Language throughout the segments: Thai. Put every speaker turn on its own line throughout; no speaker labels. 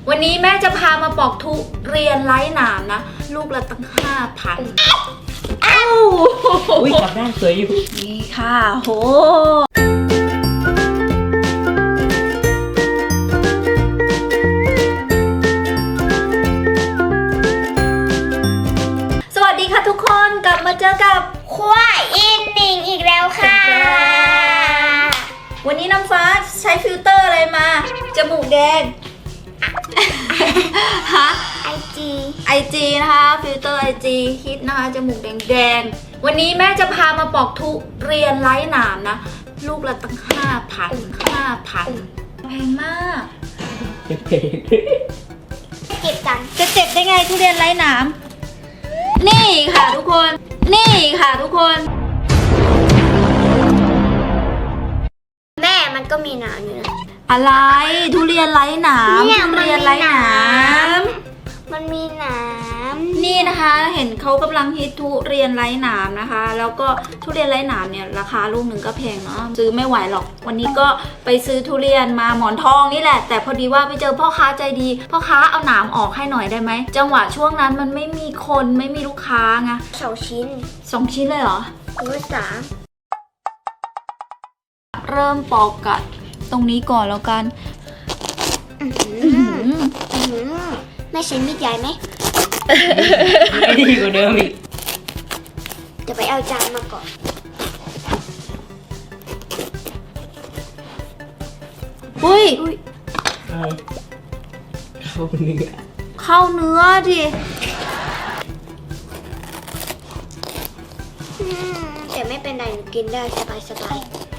วันนี้แม่จะพามาปอกทุเรียนไร้หนามนะลูกละตั้ง5,000อ้าว
อุ้ยกลับด้านสวยอยู่
นี่ค่ะโหสวัสดีค่ะทุกคนกลับมาเจอกับ
ขั้วอินนิ่งอีกแล้วค่ะ
วันนี้น้ำฟ้าใช้ฟิลเตอร์อะไรมาจมูกแดงฮะ IG นะคะฟิลเตอร์ IG ฮิตนะคะจมูกแดงๆวันนี้แม่จะพามาปอกทุเรียนไร้หนามนะลูกละตั้ง5,000แพงมาก
เจ็บ
กัน
จะเจ็บได้ไงทุเรียนไร้หนามนี่ค่ะทุกคน
แม่มันก็มีหนามอยู่นะ
อะไรทุเรียนไร้หนามทุเรียนไร้หนาม
มันมีหนาม
นี่นะคะเห็นเขากำลังฮิตทุเรียนไร้หนามนะคะแล้วก็ทุเรียนไร้หนามเนี่ยราคาลูกหนึ่งก็แพงเนาะซื้อไม่ไหวหรอกวันนี้ก็ไปซื้อทุเรียนมาหมอนทองนี่แหละแต่พอดีว่าไปเจอพ่อค้าใจดีพ่อค้าเอาหนามออกให้หน่อยได้ไหมจังหวะช่วงนั้นมันไม่มีคนไม่มีลูกค้าไง
2 ชิ้น
2 ชิ้นเลยเหรอ
หรือ3
เริ่มปอกกัดตรงนี้ก่อนแล้วกัน
แม่ใช้มีดใหญ่ไหม
ไม่ดีกว่าเดิมอีก
จะไปเอาจานมาก่อน
อุ้ย
เข้าเนื้อ
ดิ
แต่ไม่เป็นไรหนูกินได้สบาย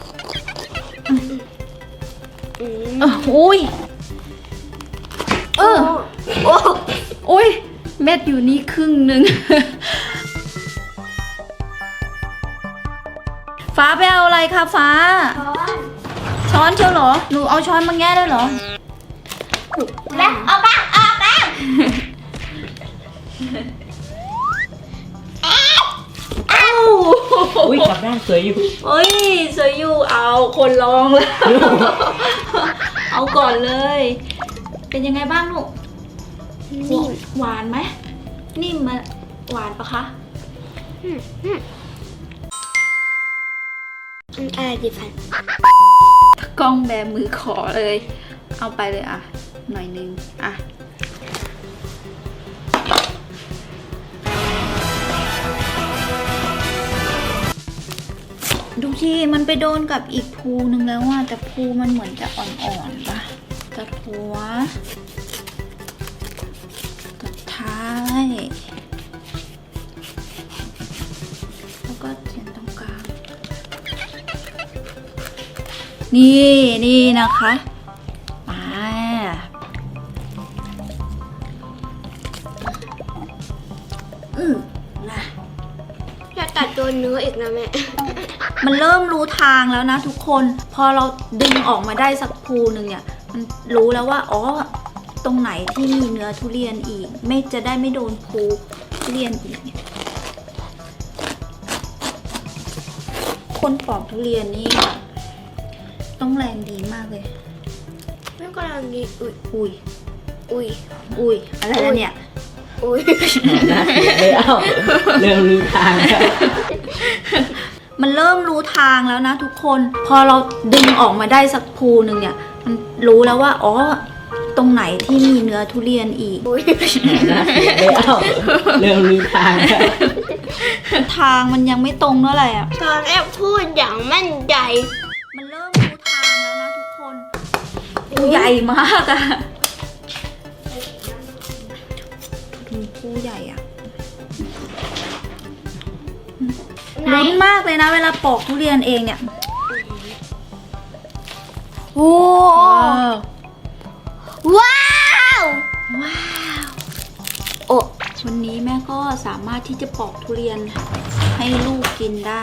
อุ้ยอุ้ยเม็ดอยู่นี่ครึ่งหนึ่งฟ้าไปเอาอะไรคะฟ้าช้อนเชียวเหรอหนูเอาช้อนมาแง่ได้เหรอ
แม่เอาบ้าง
อุ้ยกลับด้านสวยอยู่
เฮ้ยสวยอยู่เอาคนลองแล้วเอาก่อนเลยเป็นยังไงบ้างลูกนิ่มหวานไหมนิ่มมาหวานปะคะ
อะไรดีฟัน
กล้องแบมือขอเลยเอาไปเลยอ่ะหน่อยนึงอ่ะดูสิมันไปโดนกับอีกภูนึงแล้วว่าแต่ภูมันเหมือนจะอ่อนๆปะตัดหัวตัดท้ายแล้วก็เขียนตรงกลางนี่นะคะนะ
อย่าตัดโดนเนื้ออีกนะแม่
มันเริ่มรู้ทางแล้วนะทุกคนพอเราดึงออกมาได้สักภูหนึ่งเนี่ยมันรู้แล้วว่าอ๋อตรงไหนที่มีเนื้อทุเรียนอีกจะได้ไม่โดนภูทุเรียนอีกเนี่ยคนปอกทุเรียนนี่ต้องแรงดีมากเลย
ไม่ก็แรงดี
อุ้ยอะไรแล้วเนี่ย
เริ่มรู้ทาง
มันเริ่มรู้ทางแล้วนะทุกคนพอเราดึงออกมาได้สักภูหนึ่งเนี่ยมันรู้แล้วว่าอ๋อตรงไหนที่มีเนื้อทุเรียนอีก
เริ่มรู้ทาง
ทางมันยังไม่ตรงเท่าไหร่อ่ะ
ตอนแรกพูดอย่างมั่นใจ
มันเริ่มรู้ทางแล้วนะทุกคนใหญ่มากอะภูใหญ่อะลุ้นมากเลยนะเวลาปอกทุเรียนเองเนี่ย
โอ้ว้าว
โอ้วันนี้แม่ก็สามารถที่จะปอกทุเรียนให้ลูกกินได้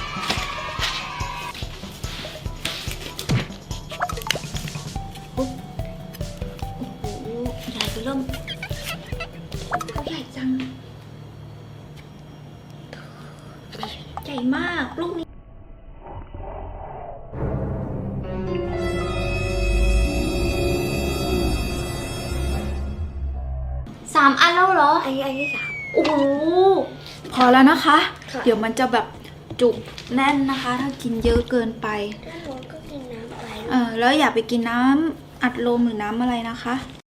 โอ้โหใหญ่เริ่มใหญ่จังใหญ่มากลูกนี้
อ
3 อันแล้วเหรอ
อันนี้สาม
โอ้โหพอแล้วนะคะ
ค่ะ
เดี๋ยวมันจะแบบจุกแน่นนะคะ ถ้ากินเยอะเกินไป
ถ้าหนูก็กินน้ำไป
แล้วอย่าไปกินน้ำอัดลมหรือน้ำอะไรนะคะ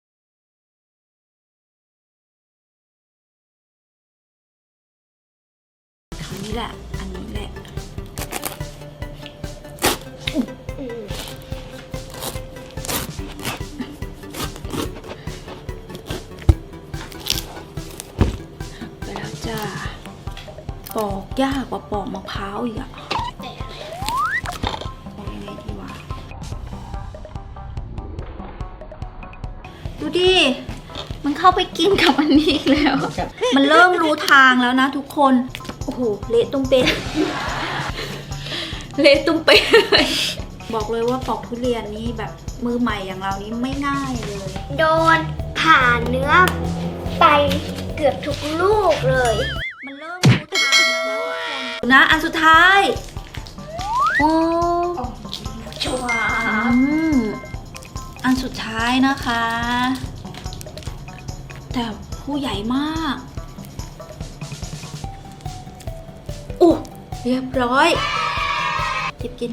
อันนี้แหละ อันนี้แหละ
อืม
ไปแล้วจ้าปอกยากกว่าปอกมะพร้าวอีกอะปอกยังไงดีวะดูดิ มันเข้าไปกินกับอันนี้อีกแล้ว มันเริ่มรู้ทางแล้วนะทุกคน โอ้โห เละตุ้มเป๊ะ เละตุ้มเป๊ะเลยบอกเลยว่าปอกทุเรียนนี้แบบมือใหม่อย่างเรานี้ไม่ง่ายเลย
โดนผ่านเนื้อไปเกือบทุกลูกเลย
มันเริ่มรู้ทางแล้วนะทุกคนนะอันสุดท้าย โอ้ชัวอันสุดท้ายนะคะ แต่ผู้ใหญ่มากโอ้เรียบร้อยจิบกิน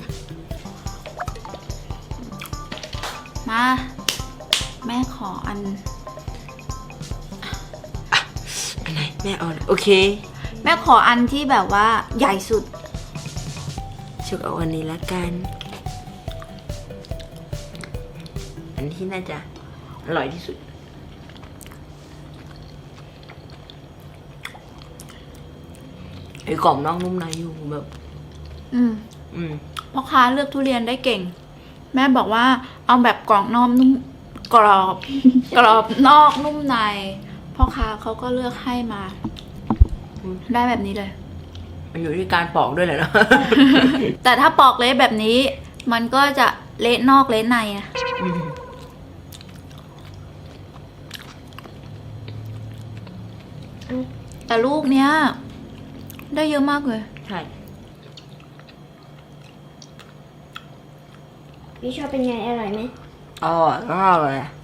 มา แม่ขออัน
อันไหนแม่เอาโอเค
แม่ขออันที่แบบว่าใหญ่สุด
ชุกเอาอันนี้ละกัน อันที่น่าจะอร่อยที่สุดไอ้กรอบนอกนุ่มในอยู่แบบ
อืม
อืม
พ่อค้าเลือกทุเรียนได้เก่ง แม่บอกว่าเอาแบบกรอบนอกนุ่มกรอบ กรอบนอกนุ่มในพ่อค้าเขาก็เลือกให้มา ได้แบบนี้เลย
มันอยู่ที่การปอกด้วยแหละเนาะ
แต่ถ้าปอกเละแบบนี้ มันก็จะเละนอกเละในอะ
อืม
แต่ลูกเนี้ย ได้เยอะมากเลย
ใช่
พี่ชอบเป็นไงอร่อยไหม
อ๋อก็อร่อยอะ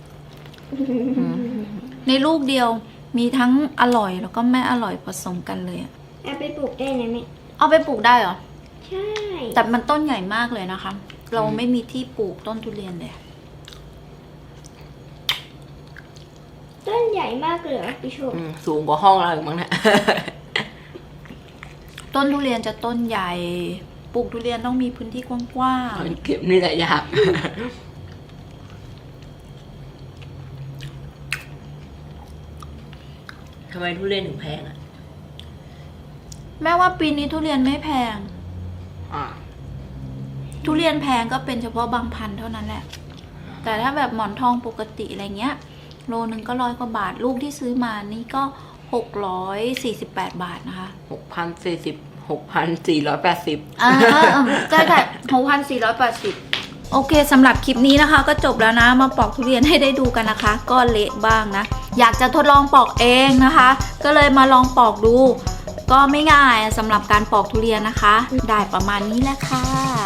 ในลูกเดียวมีทั้งอร่อยแล้วก็ไม่อร่อยผสมกันเลยอะ
เอาไปปลูกได้ไหมแม่
เอาไปปลูกได้เหรอ
ใช่
แต่มันต้นใหญ่มากเลยนะคะ เราไม่มีที่ปลูกต้นทุเรียนเลย
ต้นใหญ่มากเลยเหรอพี่ชม
สูงกว่าห้องเราอีกมั้งเนี่ย
ต้นทุเรียนจะต้นใหญ่ ปลูกทุเรียนต้องมีพื้นที่กว้าง
เก็บนี่แหละยาก ทำไมทุเรียนถึงแพงอ่ะ
ๆแม้ว่าปีนี้ทุเรียนไม่แพง
อ่า
ทุเรียนแพงก็เป็นเฉพาะบางพันธุ์เท่านั้นแหละ แต่ถ้าแบบหมอนทองปกติอะไรเงี้ย โลนึงก็100 กว่าบาท ลูกที่ซื้อมานี่ก็648 บาทนะคะ
6,480
ใช่ค่ะ6,480 โอเคสำหรับคลิปนี้นะคะ ก็จบแล้วนะ มาปอกทุเรียนให้ได้ดูกันนะคะ ก็เละบ้างนะ อยากจะทดลองปอกเองนะคะ ก็เลยมาลองปอกดู ก็ไม่ง่ายสำหรับการปอกทุเรียนนะคะ ได้ประมาณนี้แหละค่ะ